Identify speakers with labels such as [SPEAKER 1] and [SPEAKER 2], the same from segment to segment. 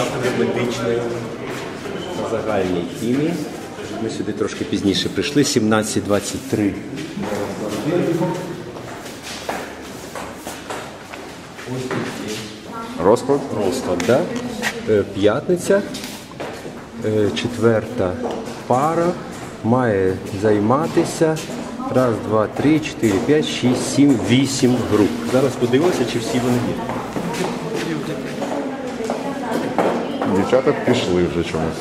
[SPEAKER 1] кафедри медичної та загальної хімії. Ми сюди трошки пізніше прийшли, 17:23.
[SPEAKER 2] Розклад?
[SPEAKER 1] Розклад, да? П'ятниця, четверта пара має займатися 1, 2, 3, 4, 5, 6, 7, 8 груп. Зараз подивимося, чи всі вони є.
[SPEAKER 2] Дівчата пішли вже чомусь.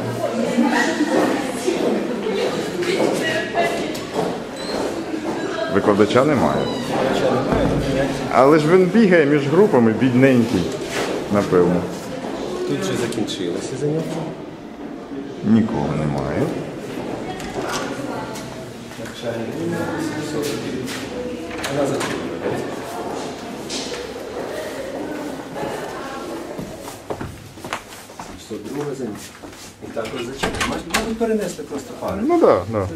[SPEAKER 2] Викладача немає. Але ж він бігає між групами, бідненький, напевно.
[SPEAKER 1] Тут вже закінчилося заняття.
[SPEAKER 2] Нікого немає.
[SPEAKER 1] Вона зачинена. Друге заняття. І також зачинено. Можна перенести просто пари.
[SPEAKER 2] Ну так, да.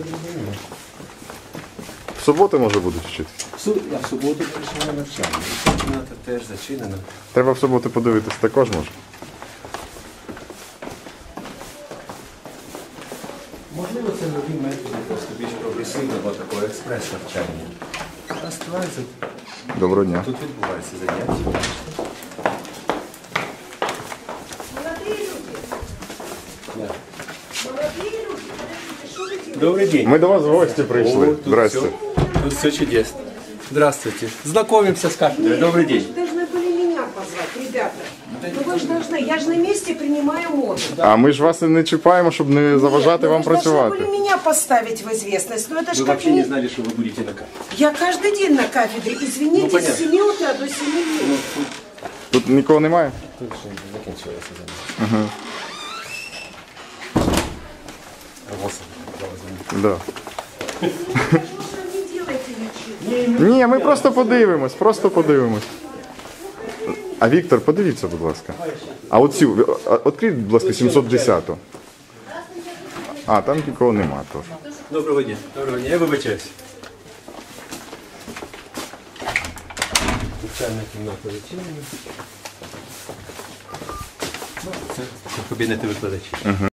[SPEAKER 2] В суботу, може, будуть вчити.
[SPEAKER 1] Я в суботу прийшов на навчання. Кімната теж зачинена.
[SPEAKER 2] Треба в суботу подивитись також, може.
[SPEAKER 1] Можливо, це нові методи, просто більш прогресивного такого експрес-навчання. А ствається,
[SPEAKER 2] Доброго дня.
[SPEAKER 1] тут відбуваються заняття. Добрый день.
[SPEAKER 2] Ми до вас в гості прийшли.
[SPEAKER 1] О, тут
[SPEAKER 2] Здрасте.
[SPEAKER 1] Тут все чудесно. Здравствуйте. Знакомимся с кафедрой. Добрый день.
[SPEAKER 3] Вы должны были меня позвать, ребята. Ну вы же должны, я же на месте принимаю модуль.
[SPEAKER 2] А ми ж вас і не чіпаємо, щоб не заважати вам
[SPEAKER 3] Вы же должны
[SPEAKER 2] працювати.
[SPEAKER 3] были меня поставить в известность. Но это
[SPEAKER 1] Вы
[SPEAKER 3] же как
[SPEAKER 1] вообще не
[SPEAKER 3] не...
[SPEAKER 1] знали, что вы будете на кафедре.
[SPEAKER 3] Я каждый день на кафедре, извините,
[SPEAKER 1] понятно.
[SPEAKER 3] с 7 утра до 7 дней.
[SPEAKER 2] Тут нікого немає?
[SPEAKER 1] Тут же закінчилося заняття.
[SPEAKER 2] Да.
[SPEAKER 3] Что не делайте ничего.
[SPEAKER 2] Ні, ми просто подивимось, А Віктор, подивіться, будь ласка. А оцю, відкріть, будь ласка, 710-ту. А, там нікого нема теж.
[SPEAKER 1] Доброго дня. Доброго дня. Я вибачаюсь. Навчальна кімната зачинена. Ну, це кабінети викладачів.